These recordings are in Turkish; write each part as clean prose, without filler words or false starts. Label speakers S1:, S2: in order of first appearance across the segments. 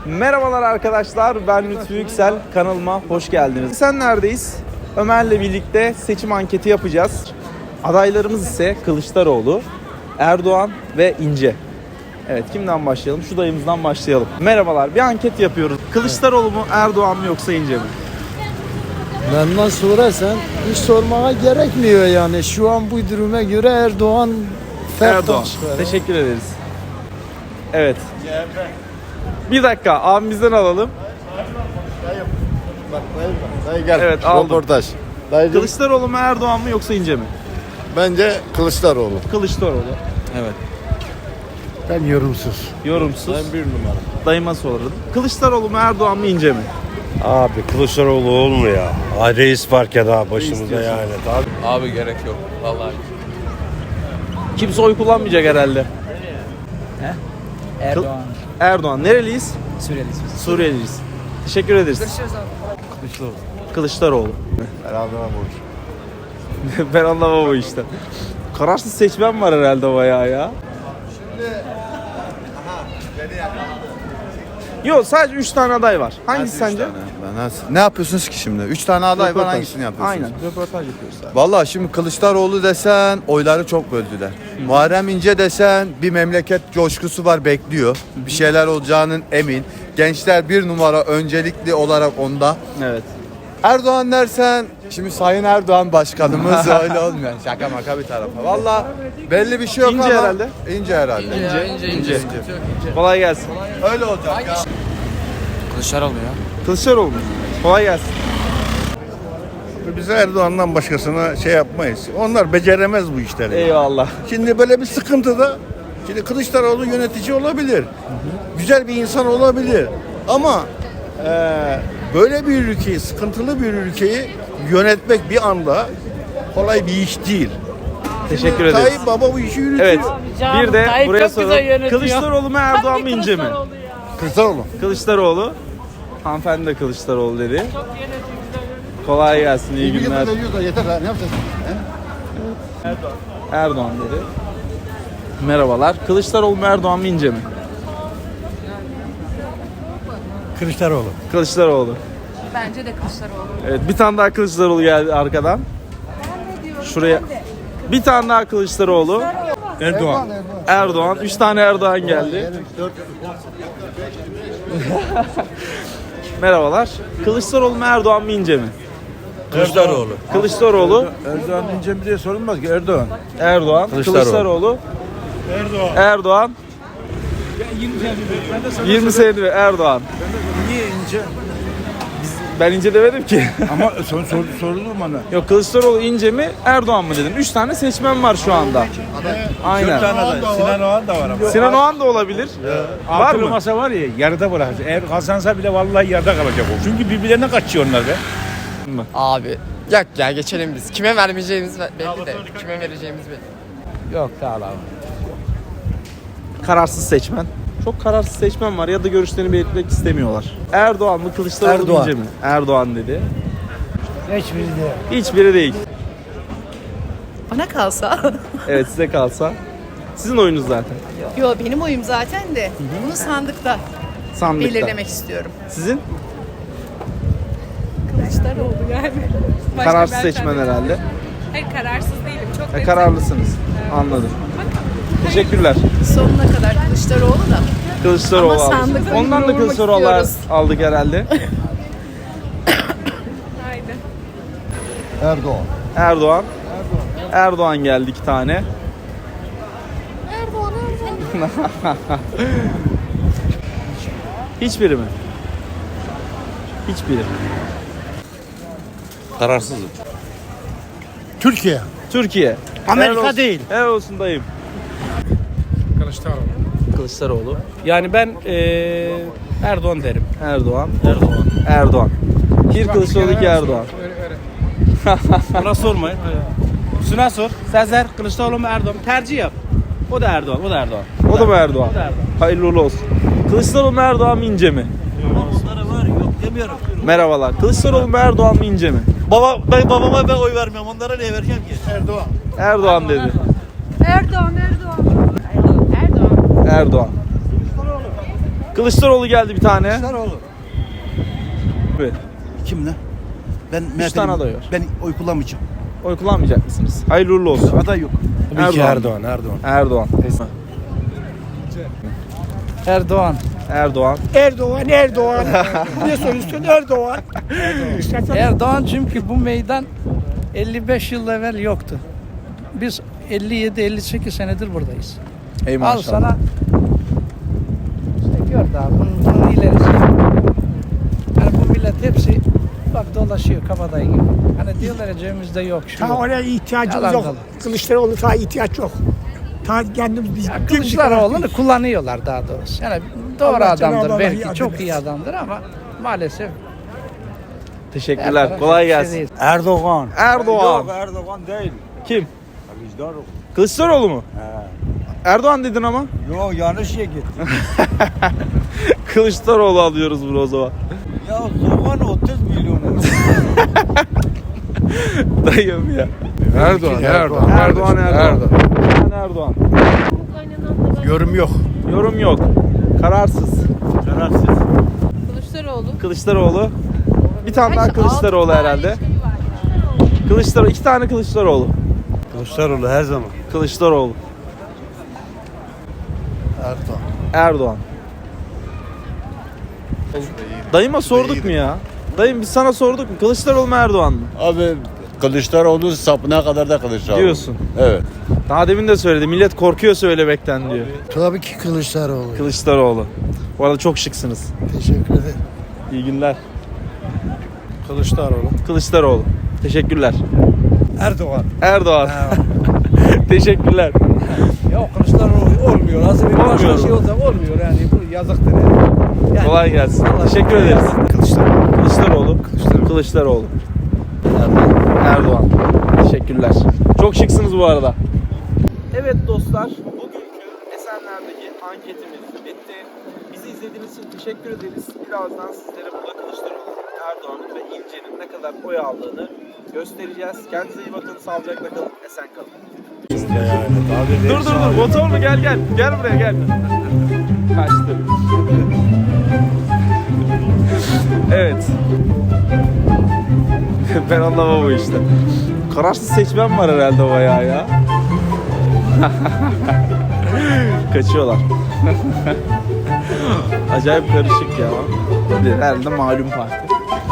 S1: Merhabalar arkadaşlar, ben Lütfü Yüksel. Kanalıma hoş geldiniz. Sen neredeyiz? Ömer'le birlikte seçim anketi yapacağız. Adaylarımız ise Kılıçdaroğlu, Erdoğan ve İnce. Evet, kimden başlayalım? Şu dayımızdan başlayalım. Merhabalar, bir anket yapıyoruz. Kılıçdaroğlu mu, Erdoğan mı yoksa İnce mi?
S2: Benden sorarsan hiç sormaya gerekmiyor yani. Şu an bu duruma göre Erdoğan
S1: Erdoğan. Teşekkür ederiz. Evet. Bir dakika, abimizden alalım.
S3: Dayı gel.
S1: Evet, aldım.
S3: Röportaj. Dayıcım,
S1: Kılıçdaroğlu mu, Erdoğan mı yoksa İnce mi?
S3: bence Kılıçdaroğlu.
S1: Kılıçdaroğlu. Evet.
S2: Ben yorumsuz.
S1: Yorumsuz.
S3: Ben bir numara.
S1: Dayıma sorarım. Kılıçdaroğlu mu, Erdoğan mı, İnce mi?
S4: Abi Kılıçdaroğlu olmuyor ya. Ay reis var ya daha başımızda yani. Abi.
S5: Abi gerek yok vallahi.
S1: Kimse oy kullanmayacak herhalde.
S6: Erdoğan.
S1: Erdoğan. Nereliyiz?
S6: Suriyeliyiz biz.
S1: Suriyeliyiz. Teşekkür ederiz. Kılıçdaroğlu.
S3: Herhalde bu.
S1: Ben anlamam o işte. Kararsız seçmen var herhalde bayağı ya. Yok, sadece 3 tane aday var. Hangisi sence?
S3: Ne yapıyorsunuz ki şimdi? 3 tane aday var, hangisini yapıyorsunuz?
S1: Aynen, röportaj yapıyoruz.
S3: Vallahi şimdi Kılıçdaroğlu desen oyları çok böldüler. Muharrem İnce desen bir memleket coşkusu var, bekliyor. Bir şeyler olacağının emin. Gençler bir numara öncelikli olarak onda.
S1: Evet.
S3: Erdoğan dersen şimdi Sayın Erdoğan başkanımız öyle olmuyor. Şaka maka bir tarafa. Vallahi belli bir şey yok
S1: İnce
S3: ama.
S1: herhalde.
S3: İnce herhalde.
S1: İnce. Kolay gelsin.
S3: Öyle olacak ya.
S6: Kılıçdaroğlu ya.
S1: Kılıçdaroğlu mu? Kolay gelsin.
S7: Biz Erdoğan'dan başkasına şey yapmayız. Onlar beceremez bu işleri.
S1: Eyvallah.
S7: Şimdi böyle bir sıkıntıda, şimdi Kılıçdaroğlu yönetici olabilir. Güzel bir insan olabilir. Ama böyle bir ülkeyi, sıkıntılı bir ülkeyi yönetmek bir anda kolay bir iş değil.
S1: Teşekkür ederiz.
S7: Tayyip Baba bu işi yürütüyor.
S1: Evet. Bir de
S8: Tayyip
S1: buraya
S8: çok güzel
S1: soralım.
S8: yönetiyor.
S1: Kılıçdaroğlu mu, Erdoğan mı, İnce mi?
S3: Kılıçdaroğlu.
S1: Kılıçdaroğlu. Hanımefendi de Kılıçdaroğlu dedi. Kolay gelsin, iyi günler.
S3: Yeter ha, ne yapacağız?
S1: Erdoğan dedi. Merhabalar. Kılıçdaroğlu mu, Erdoğan mı, İnce mi?
S2: Kılıçdaroğlu.
S1: Kılıçdaroğlu.
S8: Bence de Kılıçdaroğlu.
S1: Evet, bir tane daha Kılıçdaroğlu geldi arkadan. Şuraya. Bir tane daha Kılıçdaroğlu.
S2: Erdoğan.
S1: Erdoğan. 3 tane Erdoğan geldi. Merhabalar. Kılıçdaroğlu mu, Erdoğan mı, İnce mi?
S4: Kılıçdaroğlu.
S1: Kılıçdaroğlu.
S2: Erdoğan ince mi diye sorulmaz ki Erdoğan.
S1: Erdoğan. Kılıçdaroğlu. Erdoğan. 20 senedir Erdoğan.
S2: Niye ince?
S1: Ben İnce demedim ki.
S2: Ama sorulur bana.
S1: Yok, Kılıçdaroğlu İnce mi, Erdoğan mı dedim. 3 tane seçmen var şu anda. Aynen.
S2: Sinan Oğan da var ama.
S1: Sinan Oğan da olabilir. Var
S2: Altılı
S1: mı?
S2: masa var ya yarıda bırakacak. Eğer kazansa bile vallahi yarıda kalacak o. Çünkü birbirlerine kaçıyor onlar be.
S9: Abi yok ya, geçelim biz. Kime vermeyeceğimiz belli de. Kime vereceğimiz belli.
S6: Yok daha abi.
S1: Kararsız seçmen. Çok kararsız seçmen var ya da görüşlerini belirtmek istemiyorlar. Erdoğan mı, Kılıçdaroğlu mu,
S2: Erdoğan.
S1: İnce mi? Erdoğan dedi.
S2: Hiçbiri de.
S1: Hiçbiri değil.
S8: Bana kalsa.
S1: Evet, size kalsa. Sizin oyunuz zaten.
S8: Yo, benim oyum zaten de. Bunu sandıkta
S1: Sandıkta.
S8: belirlemek istiyorum.
S1: Sizin?
S8: Kılıçdaroğlu yani. Başka
S1: Kararsız
S8: bir
S1: seçmen
S8: alternatif.
S1: herhalde.
S8: Hayır, kararsız değilim. Çok
S1: Kararlısınız. Anladım. Teşekkürler.
S8: sonuna kadar Kılıçdaroğlu da.
S1: Kılıçdaroğlu
S8: Ama
S1: aldık.
S8: sandıkta
S1: Ondan da
S8: vurmak
S1: Kılıçdaroğlu
S8: istiyoruz.
S1: aldık herhalde.
S8: Haydi.
S3: Erdoğan.
S1: Erdoğan. Erdoğan geldi 2 tane. Hiçbiri mi? Hiçbiri.
S4: Kararsızım.
S2: Türkiye.
S1: Türkiye.
S2: Amerika
S1: Helal olsun.
S2: değil.
S1: Helal olsun dayım.
S6: Kılıçdaroğlu.
S1: Kılıçdaroğlu.
S6: Yani ben Erdoğan derim.
S1: Erdoğan. Erdoğan. Bir Kılıçdaroğlu, 2 Erdoğan.
S6: Buna sormayın. Şuna sor. Sezer Kılıçdaroğlu mu Erdoğan mu? Tercih yap. O da Erdoğan. O da Erdoğan.
S1: O da mı Erdoğan?
S6: O da Erdoğan.
S1: Hayırlı uğurlu olsun. Kılıçdaroğlu mu, Erdoğan mı, İnce mi?
S6: Onlara var yok demiyorum.
S1: Merhabalar. Kılıçdaroğlu mu, Erdoğan mı, İnce mi?
S6: Babama ben oy vermiyorum. Onlara ne vereceğim ki?
S1: Erdoğan dedi.
S8: Erdoğan. Erdoğan.
S1: Erdoğan. Kılıçdaroğlu geldi bir tane.
S5: Kılıçdaroğlu.
S1: Evet.
S5: Kim lan? Ben
S1: Üç tane aday var.
S5: Ben oy kullanmayacağım.
S1: Oy kullanmayacak mısınız? Hayırlı uğurlu olsun.
S5: Aday yok.
S4: Tabii ki
S1: Erdoğan.
S4: Erdoğan.
S1: Erdoğan.
S2: Erdoğan.
S1: Erdoğan.
S10: Erdoğan. Ne soruyorsun Erdoğan?
S2: Erdoğan çünkü bu meydan 55 yıl evvel yoktu. Biz 57-58 senedir buradayız.
S1: Ey
S2: Al
S1: maşallah.
S2: sana işte gör daha bunun ilerisi. Yani bu millet hepsi bak dolaşıyor kabadayı gibi. Hani diyorlar ya cebimizde yok şu
S10: Ta
S2: yok.
S10: oraya ihtiyacımız
S2: Yalan
S10: yok.
S2: dolan.
S10: Kılıçdaroğlu ta ihtiyaç yok. Ta kendimiz biz
S2: Ya
S10: dimdik
S2: Kılıçdaroğlu'nu
S10: olarak-
S2: kullanıyorlar daha doğrusu. Yani doğru
S10: Allah Cenab-ı
S2: adamdır
S10: Allah
S2: belki
S10: yardım
S2: çok
S10: etsin.
S2: iyi adamdır ama maalesef
S1: Teşekkürler.
S2: her
S1: Kolay
S2: taraf
S1: gelsin.
S2: şey değil.
S5: Erdoğan.
S1: Erdoğan.
S5: Yok Erdoğan değil.
S1: Kim?
S5: Kılıçdaroğlu.
S1: Kılıçdaroğlu mu? Erdoğan dedin ama.
S5: Yok yanlış yere gitti.
S1: Kılıçdaroğlu alıyoruz bunu o zaman.
S5: Ya zaman 30 milyon.
S1: Dayım ya.
S2: Erdoğan.
S1: Erdoğan. Erdoğan.
S7: Yorum yok.
S1: Yorum yok. Kararsız.
S8: Kılıçdaroğlu.
S1: Kılıçdaroğlu. Bir tane daha Kılıçdaroğlu herhalde. Kılıçdaroğlu. 2 tane Kılıçdaroğlu.
S4: Kılıçdaroğlu her zaman.
S1: Kılıçdaroğlu. Erdoğan. Dayıma sorduk mu ya? Dayım biz sana sorduk mu? Kılıçdaroğlu mu Erdoğan mı?
S11: Abi Kılıçdaroğlu sapına kadar da Kılıçdaroğlu.
S1: Diyorsun.
S11: Evet.
S1: Daha demin de söyledi. Millet korkuyor söylemekten diyor.
S2: Tabii ki Kılıçdaroğlu.
S1: Kılıçdaroğlu. Bu arada çok şıksınız.
S2: Teşekkür ederim.
S1: İyi günler.
S6: Kılıçdaroğlu.
S1: Kılıçdaroğlu. Teşekkürler.
S6: Erdoğan.
S1: Erdoğan. Teşekkürler.
S6: Yok Kılıçdaroğlu olmuyor. Nasıl bir
S1: Olmuyor.
S6: başka şey olsa olmuyor yani. Bu yazıktır yani.
S1: Kolay gelsin. Teşekkür ederiz. Kılıçdaroğlu. Kılıçdaroğlu. Erdoğan. Teşekkürler. Çok şıksınız bu arada. Evet dostlar, bugünkü Esenler'deki anketimiz bitti. Bizi izlediğiniz için teşekkür ederiz. Birazdan sizlere burada Kılıçdaroğlu, Erdoğan'ın ve İnce'nin ne kadar oy aldığını göstereceğiz. Kendinize iyi bakın, sağlıcakla kalın, esen kalın. Dur, motorlu gel. Gel buraya gel. Kaçtı. Evet. Ben anlamam bu işte. Kararsız seçmen var herhalde bayağı ya. Kaçıyorlar. Acayip karışık ya. Herhalde malum parti.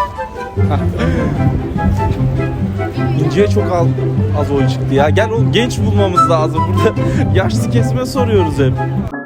S1: İnce'ye çok az oy çıktı ya. Gel oğlum genç bulmamız lazım. Burada yaşlı kesme soruyoruz hep.